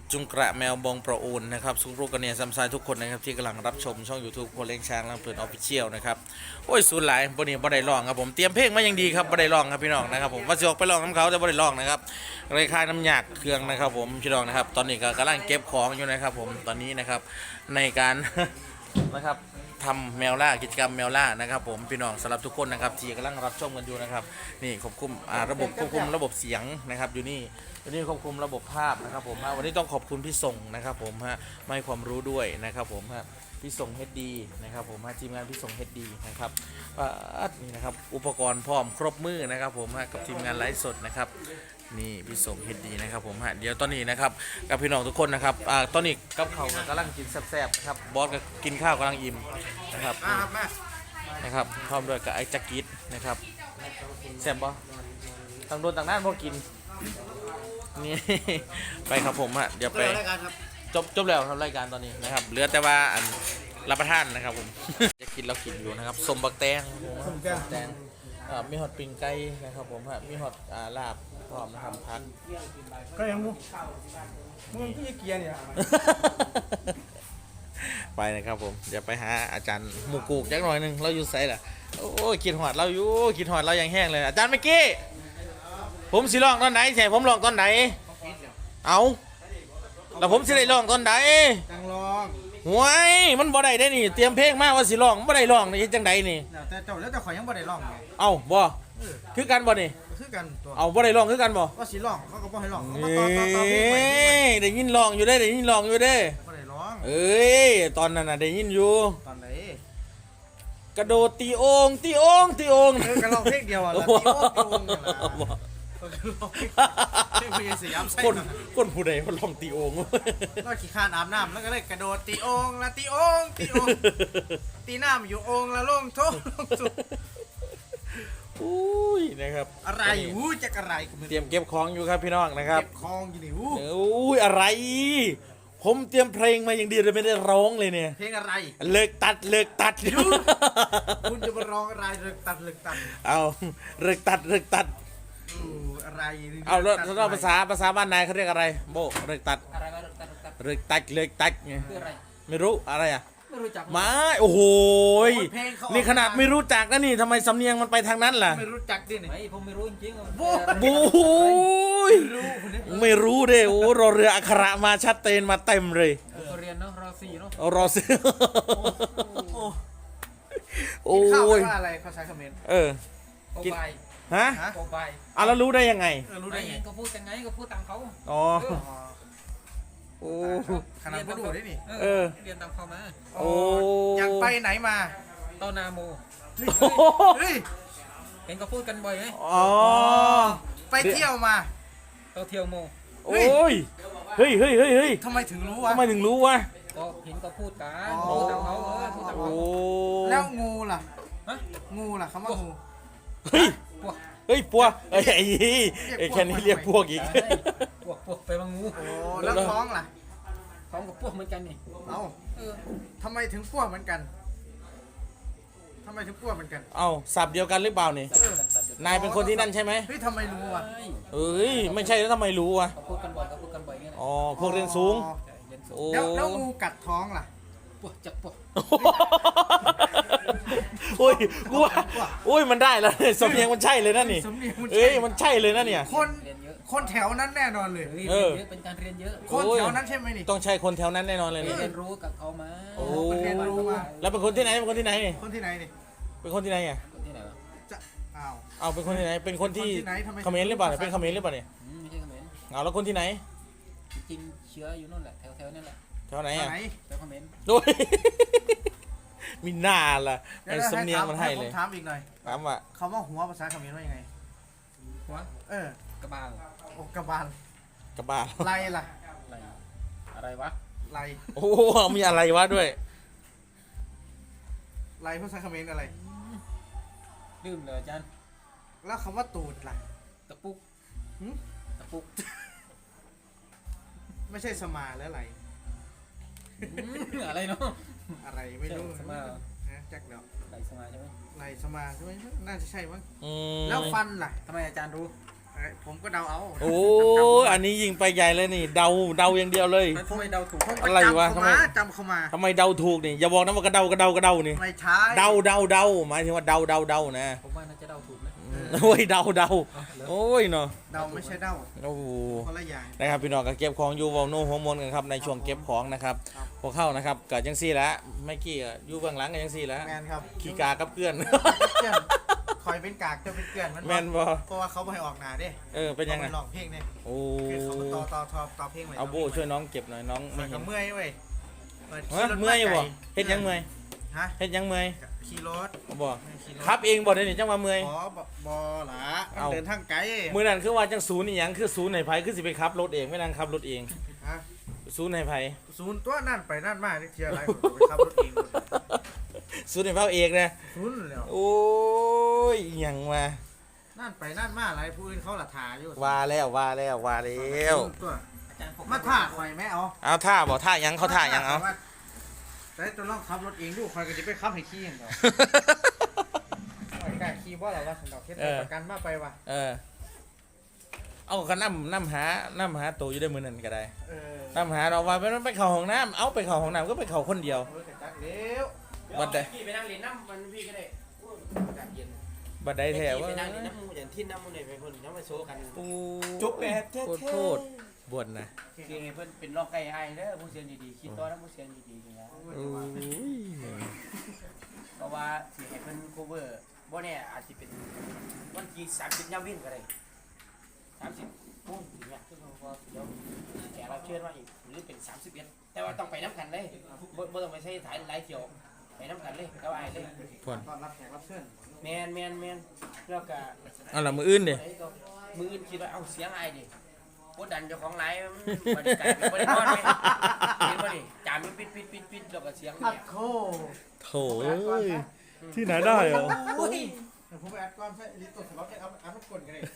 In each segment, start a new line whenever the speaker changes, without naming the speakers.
จุงกระแมวบองประอูนนะครับสุรุกันเนี่ยซัมซายทุกคนนะครับที่กำลังรับชมช่อง YouTube โคเล้งช้างลำเพลินออฟฟิเชียลนะครับโอ้ยสูนหลายบนนี้บ่ได้ร้องครับผมเตรียมเพลงมาอย่างดีครับบ่ได้ร้องครับพี่น้องนะครับผมว่าจะออกไปร้องน้ำเขาแต่บ่ได้ร้องนะครับเลยคายน้ำหยากเครื่องนะครับผมพี่น้องนะครับตอนนี้ก็กำลังเก็บของอยู่นะครับผมตอนนี้นะครับในการ นะครับทำแมวล่ากิจกรรมแมวล่านะครับผมพี่น้องสำหรับทุกคนนะครับที่กำลังรับชมกันอยู่นะครับนี่ควบคุมระบบควบคุมระบบเสียงนะครับอยู่นี่ควบคุมระบบภาพนะครับผมวันนี้ต้องขอบคุณพี่ส่งนะครับผมมาให้ความรู้ด้วยนะครับผมพี่ส่ง HD นะครับผมทีมงานพี่ส่ง HD นะครับนี่นะครับอุปกรณ์พร้อมครบมือนะครับผมกับทีมงานไลฟ์สดนะครับนี่พี่ส่ง HD นะครับผมเดี๋ยวตอนนี้นะครับกับพี่น้องทุกคนนะครับตอนนี้กับเขากำลังกินแซ่บๆนะครับบอสก็กินข้าวกำลังอิ่มนะครับนะครับพร้อมด้วยกับไอ้จักริดนะครับแซ่บบ่ต่างโดนต่างด้านพอกินนี่ ไปครับผมเดี๋ยวไปจบแล้วทำรายการตอนนี้นะครับเหลือแต่ว่ารับประทานนะครับผม จะกินเรากินอยู่นะครับสมบักแตงมีฮอตปิงไก่นะครับผมมีฮอตลาบพร้อมนะครับพัก
ก็ยังมึงพี่เกียร์เนี่ย
ไปนะครับผมเดี๋ยวไปหาอาจารย์หมูกูกจักหน่อยหนึงเราอยู่ไซด์ล่ะโอ้ยกินหอดเราอยู่กินหอดเรายังแห้งเลยอาจารย์เมื่อกี้ผมสิร้องตอนไหนใช่ผมร้องตอนไหนเอาแล้วผมสิได้ร้องตอนไหน
จังลอง
หวยมันบ่ได้ได้นี่เตรียมเพลงมาว่าสิร้องบ่ได้ร้องนี่จังไดนี่
แต่เจ้าแล้วแต่ข่อยยังบ่ได้ร้องไง
เอ้าบ่คือกันบ่นี่
คือกันตัว
เอาบ่ได้ร้องคือกันบ่
ว่าสิร้องเขาก็บ่ให้ร้องเขา
เอ
มาต่อเพลงใหม่
้ยได้ยินร้องอยู่เด้ได้ยินร้องอยู่เด้
บ่ได้ร้อง
เอ้ยตอนนั้นน่ะได้ยินอยู่
ตอนไหน
กระโดดตีโองตีโองตีโอง
ก็ร้องเพลงเดียวอ่ะแล้วที่โอ้งเนี่ยนะก็ร้องเพลงเพลงสยามไส้
คนผู้ใดมันร้องตีโอง
ก็ขี้คานอาบน้ำแล้วก็เลยกระโดดตีโองละตีโองตีน้ำอยู่โองละลงโถลงสุด
อุ้ยนะครับ
อะไรหูจะอะไร
เตรียมเก็บของอยู่ครับพี่น้องนะครับ
เก็บคองอยู่นี่หู
อุ้ยอะไร ผมเตรียมเพลงมาอย่างดีเลยไม่ได้ร้องเลยเนี่ย
เพลงอะไร
เลิกตัด
คุณจะมาร้องอะไรเลิกตัด
เอาเลิกตัด
อะไร
เอาแล้วภาษาบ้านนายเขาเรียกอะไรโบเลิกตัด
อะไรวะตัด
เลิกตัดไง
คืออะไร
ไม่รู้อะไรอ่ะ
ไม่รู้จัก
ไม่โอ้โหนี่ขนาดไม่รู้จักนะนี่ทำไมสำเนียงมันไปทางนั้นล่ะ
ไม่รู้จักดิเนี่ย
ไอ้ผมไม่รู้จริงๆ
บูยไม่รู้เด้โอ้รอเรืออักขระมาชัดเจนมาเต็มเลย
ผมเรียนเนาะรอสี่เนาะ
เอารอซื้อโอ้
ข้าวย ว่าอะไรเขาใช้คอมเมนต์
โอ
กิน
บาย
ฮะ
โอบาย
เอาแล้วรู้ได้ยังไง
รู้
ไม่
ได้ไง
ก็พูดยังไงก็พูดตามเขา
อ๋อ
เออ
โอ้
ขนาดไม่รู้ได้นี่
เรียนตามเขามา
โอ้
อยากไปไหนมา
ตอนนาโม
เฮ้ย
เห็นก็พูดกันบ่อยไหม
อ๋อ
ไปเที่ยวมา
ตอนเที่ยวโม
โอ้ยเฮ้ย
ทำไมถึงรู้วะ
ทำไมถึงรู้วะ
ก็เห็นก็พูดกัน
อ๋อ
พูดตามเขาพูดตาม
โอ้
เขา
แล้วงูล่ะ
ฮะ
งูล่ะคำว่างู
เฮ้ย
พวก
ปัวไอ้แค่นี้เรียกพวกอีก
พวกไปบางงู
โอ้แล้วท้องล่ะ
ท้องกับพวกเหมือนกันนี่
เอ้า
เออ
ทำไมถึงป้วเหมือนกันทำไมถึงป้วเหมือนกัน
เอาสับเดียวกันหรือเปล่านี่ นายเป็นคนที่นั่นใช่ไหม
เฮ้ยทำไมรู้วะ
เอ้ยไม่ใช่แล้วทำไมรู้วะ
เขาพูดกันบ่อยเขาพูดกันบ่อยไง
อ๋อพวกเรียนสูง
อ๋อ
เรียนสูง
โอ้
แล้วงูกัดท้องล่ะ
พวกจับพวก
โอ้ยกูว่าโอ้ยมันได้แล้วเนี่ยสำเนียงมันใช่เลยนะนี่
สำเนียงมันใช่
เอ้ยมันใช่เลยนะเนี่ย
คน
เรียนเยอะ
คนแถวนั้นแน่นอนเลย
เฮ้ย
เอ
เรีย
อ
นเยอะเป็นการเรียนเยอะ
คนแถวนั้นใช่ไหมนี่
ต้องใช่คนแถวนั้นแน่นอนเลย
เรี
นี่
ยนรู้กับเขามา
โอ้
เรียนรู้มา
แล้วเป็นคนที่ไหนเป็นคนที่ไหนนี่
คนที่ไหนนี่
เป็นคนที่ไหนอ่ะ
คนที่ไหนวะ
จะอ้าว
เอาเป็นคนที่ไหนเป็นคนที่
คนที่ไหนทำไม
เขมรหรือเปล่าเนี่ยเป็นเขมรหรือเปล่าเนี่ย
ไม่ใช่เขมร
เอาแล้วคนที่ไหน
จริงๆเชื้ออยู่นู่นแหละแถวๆนั่นแหละ
แถวไหน
ไหน
อ่ะ
แถวเขมร
โอ้ย มีหน้าล่ะ
เดี๋
ไอ้
ยว
สำเนียงมันให้เลย
ผมถามอีกหน่อย
ถามว่า
คำว่าหัวภาษาเขมรว่ายังไง
หัว
เออก
ระบาล
โอกระบาล
กระบาล
ไรล่ะ
อะไรอะไรวะ
ไร
โอ้มีอะไรวะด้วย
ไรภาษาเขมรอะไร
ลืมเลยอาจารย์
แล้วคำว่าตูดล่ะ
ตะปุก
หึ
ตะปุก
ไม่ใช่สมาแล้วไร
อะไรเนาะ
อะไรไม่รู้
สมาเหรอ
นะจักเดี๋ยว
ไหลสมาใช่ไหม
ไรสมาใช่ไหมน่าจะใช่มั้ง
อืม
แล้วฟันล่ะ
ทำไมอาจารย์รู้
ฮผมก็เดาเอา
โอ้อันนี้ยิงไปใหญ่เลยนี่เดาอย่างเดียวเลย
แล้วทำไมเดาถูก
ผมก็
อะไรวะ
จำเข้ามา
ทำไมเดาถูกนี่อย่าบอกนะว่ากระเดนี่
ไม่ใช่
เดาหมายถึงว่าเดานะ
ผมว่าน่าจะเดาถูกนะ
โอ้ยเดาโอ้ยเนาะ
เดาไม่ใช่เดา
โอ้โห
คนละอย่าง
นะครับพี่น้องก็เก็บของอยู่วอลโน่ฮอร์โมนกันครับในช่วงเก็บของนะครับพวกเข้านะครับเกิดจังซี่แล้วไม่กี่ก็อยู่เบื้องหลังกันจังซี่แล้ว
แมนครับ
ขี้กากับเพื่อน
เกลื่อนคอยเป็นกากจะเป็นเกลื่อนมัน
แม่นบ่
เพราะว่าเขาไม่ให้ออกหนาเด้
เป็นยังไง
ขาปร้องเพลงเนี่ย
โอ้
คือเขามาต่อเพลงไว้
เอาโบช่วยน้องเก็บหน่อยน้อง
มั
ไม่
น
เห็
ก็
น
เมื่อยเว้ยปิด
ฮะ
ขี่รถ
เมื่อยอยู่บ่
ไกล
เฮ็ดยังเมื่อย
ฮะ
เฮ็ดยังเมื่อย
ขี่รถ
บ่
ขี่รถ
ครับเองบ่ได้นี่จังว่าเมื่อย
อ๋อบอหละมัน
เอา
เดินทางไกล
มื้อนั้นคือว่าจังศูนย์อีหยังคือศูนย์ไหนไผคือสิไปขับรถเองไม่นั่งขับรถเอง
ฮะ
ศูนย์ไหนไผ
ศูนย์ตัวนั่นไปนั่นมาเที่ยวอะไรผมไปขับรถเอง
ศูนย์ไหนเผาเองนะ
ศูนย์แล้ว
โอ้ยอิหยังวะ
นั่นไปนั่นมาอะไรผู้อื่นเขาละทาอยู่
ว่าแล้ว
ศูนย์ตัว
อาจารย์ผม
มาท่าคอยไหมเอา
เอาท่าบ่ท่าหยังเขาท่าหยังเอา
แต่ตัวลองขับรถเองดูคอยก็จะไปขับให้ขี่อย่างเดียวคอยกล้าขี่บ่หรอว่าสันดอกเฮ็ดประกันมาไปว่ะ
เอาก็น้ำหาตัวอยู่ได้มือนั่นก็ได้
เออ
น้ำหาเราว่าไปเข้าห้องน้ำเอาไปเข้าห้องน้ำก็ไปเข้าคนเดียว
เออจักเร็ว
บัดใด
พี่ไปนั่งเรียนน้ำมันพี่ก็ได้อากาศเย็น
บัดใดแท้ว่า
ไปนั่งเรียนน้ำมูอย่างที่น้ำมูเนี่ยไปคนน้ำมาโชว์กัน
จุ๊บแบบโทษบวชนะ
คือเพื่อนเป็นรองไก่ไอ้เด้อผู้เสียนดีๆคิดตัวแล้วผู้เสียนดีๆอย่างเงี้ย
โอ้ย
เพราะว่าสิให้เพิ่นโคเวอร์บ่เนี่ยอาจจะเป็นวันที่30ยามวินก็ได้30โมงอย่างเงี้ยซึ่งก็เดี๋ยวแขกรับเชิญมาอีกหรือเป็น31แต่ว่าต้องไปน้ำกันเลยบ่ต้องไปใช้ถ่ายหลายเที่ยวไปน้ำกันเลยก็ไอ้เลย
ก่อน
ตอนรับแขกรับเชิญ
แมนแล้วก็
เอาละมืออื่นดิ
มืออื่นคิดว่าเอาเสียงไอ้ดิกดดันเจ้าของไลฟ์มันบ่ได้กลายเป็นบ่ได้นอนเลยเห็นบ่นี่จามมันปิดแล้วก็เสียง
อั
เนี่
ด
ย
โค
โถที่ไหนได้เหรอ
โอ้ย
เดี๋ยวผมไปอัดก่อนใช่ลิตตัวสล็อตเอาอัดมันกดกันเลย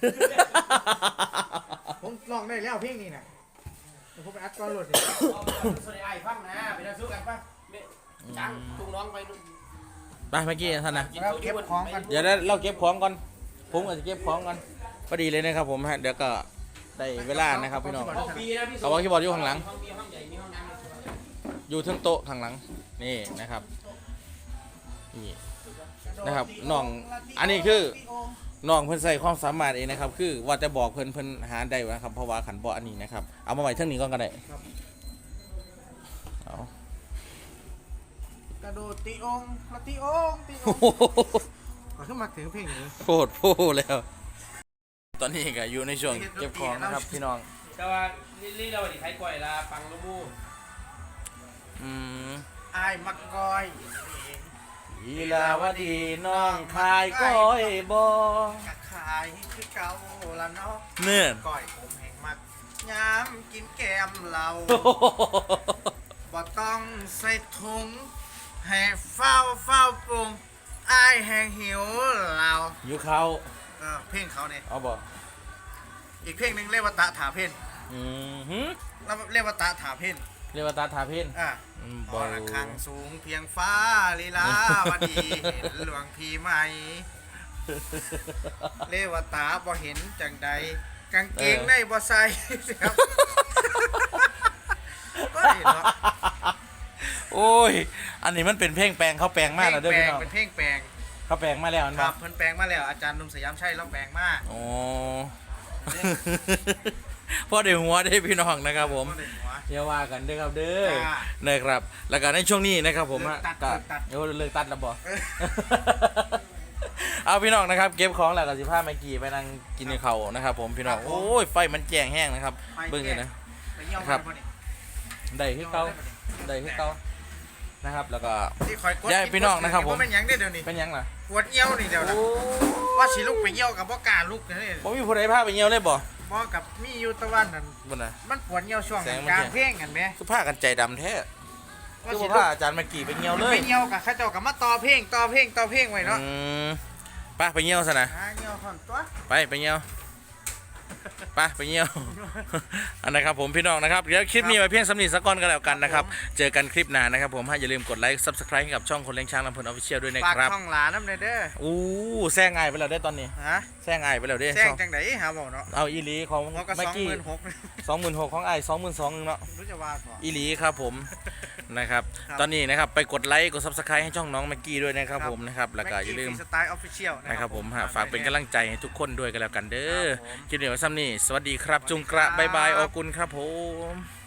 ผมลองได้แล้วเพลงนี้นะเดี๋ยวผมไปอัดก่อนโหลดดิ
สวัสดีไอ้ฟังนะไปนั่งสู้กันป่ะจังจุงน้องไปนู่น
ไปเมื่อกี้ท่านนะ
แล้วเก็บของกัน
เดี๋ยวเราเก็บของก่อนผมอาจจะเก็บของก่อนพอดีเลยนะครับผมฮะเดี๋ยวก็ได้เวลานะครับพี่น้อง
ห้องปีนะพี่
เอาไว้คีย์บอร์ดอยู่ข้างหลัง
ห้องมีห้องใหญ่มีห้องน้ำ
อยู่เทั้งโต๊ะข้างหลังนี่นะครับนี่นะครับน้องอันนี้คือน้องเพิ่นใส่ความสามารถเองนะครับคือว่าจะบอกเพิ่นหาได้นะครับเพราะว่าขันบ่อันนี้นะครับเอามาไว้เท่งนี้ก่อนก็ได้เอา
กระโดดตีองค์ละตีองค์ตีอง
โอ้
ค์
โห
ขอขึ้นมาถึงเพลงนี้
โพดแล้ว ตอนนี้ก็อยู่ในช่วงเก็บของนะครับพี่น้อง
แต่ว่านี่เราดิไทยก่อยละฟังลูกมู
อืม
อายมักกอย
ลีลาวดีน้องคายก้อยบอก
ะขายคือเก่าละเนาะ
เนื่อน
ก้อยผมแห่งมักยามกินแกมเราบ่ต้องใส่ถุงให้เฝ้าปรุงอายแห่งหิวเรา
อยู่เขา
เพลงเขาเนี่ย
เอาบอก
อีกเพลงหนึ่งเรียกว่าตะถาเพน
อืมหืม
แล้วเรียกว่าตะถาเพน
เรียกว่าตาทาเพ่น
อ่ะ
บอ
ระฆังสูงเพียงฟ้าลีลา วดีเห็นหลวงพี่ไหม เลวตาบ่เห็นจังใดกางเกงในบ่ใส่ ครับก็เห็นเนาะ
โอ้ย อันนี้มันเป็นเพลงแปลงเขาแปลงมากแล้วเด้อพี่น้อง
เป็นเพลงแปลง
เขาแปลงมาแล้วอัน
ค
บ
รั
อบ ก
เพิ่นแปลงมาแล้วอาจารย์หนุ่มสยามชัยเราแปลงมา
โอ้ พ่อเดี๋ยวหัวได้พี่น้องนะครับผม
บ่ได้หัว
อย่าว่ากันเด้อครับเด้อ
จ้า
นะครับ แล้วก็ในช่วงนี้นะครับผมฮะ
เลิกตัด
ก็เลิกตัดแล้วบอก
เออ
เอาพี่น้องนะครับเก็บของแล้วก็15ไมกี้ไปนั่งกินในเขาวนะครับผมพี่น้อง
ครับผม
โอ้ยไฟมันแจ้งแห้งนะครับ
ไป
เบิ่งกันนะ
ไปเยี่ยม
ครับ
มานี่
ได้คือเก่าได้คือเก่านะครับ แล้วก็
ที่คอยกด
ย้ายพี่น้องนะครับผม
เป็นหยังได้อเดี๋ยวนี้
เป็นหยังล่ะ
ปวดเยี่ยวนี่เดี๋ยวนะ
โอ้
ว่าสิลุกไปเยี่ยวกับบ่กล้าลุกนี่
บ่มีผู้ใดพาไปเหี่ยวเลยบ่
บ่กับมีอยู่ตะวันนั่น
บ่น่ะ
มันปวดเยี่ยวช่วง
แสงมัน
กลาง
แจ้ง
เพลงกันไหม
คือพากันใจดำแท้
ว่า
คือ
สิ
บ่
ลุ
พาก อาจารย์มากี่ไปเหี่ยวเลย
ไปเยี่ยวกับข้าเจ้ากับมาต่อเพลงไว้เนาะ
อืมไปเหี่ยวซะนะ
เยี่ยวผ่อนตัว
ไปเหี่ยวไปเงี้ยว อันนะครับผมพี่น้องนะครับเดี๋ยวคลิปนี้ไว้เพียงสำนีสักก้อนก็แล้วกันนะครับเจอกันคลิปหน้านะครับผมอย่าลืมกดไลค์ Subscribe ให้กับช่องคนเลี้ยงช้างลำเพลินออฟฟิเชียลด้วยนะ
ฝาก
ครับ
ช่องหลานน้ำเด้อ
อู้แซงไงไปแล้วได้ตอนนี้
ฮะ
แซงไงไปแล้วได้
แจ้งจังไดหาบอกเนาะ
เอาอีหลีของ
เขาก็
เมื่อกี้
26,000
26,000ของไอ้22,000เนาะ
รู้จะว่าก่อน
อีหลีครับผม นะครับ
ครับ
ตอนนี้นะครับไปกดไลค์กด Subscribe ให้ช่องน้องแม็กกี้ด้วยนะครับ
ครับ
ผมนะครับแล้วก็อย่าลืม
สไตล์ออฟฟิเชียล
นะครับผมฝากเป็นกำลังใจให้ทุกคนด้วยกันแล้วกันเด้อ
ครับผม
คลิปนี้ไว้ซ้ำนี่สวัสดีครับจุงกระ
สวัสดีครับ
บายบายออกุลครับผม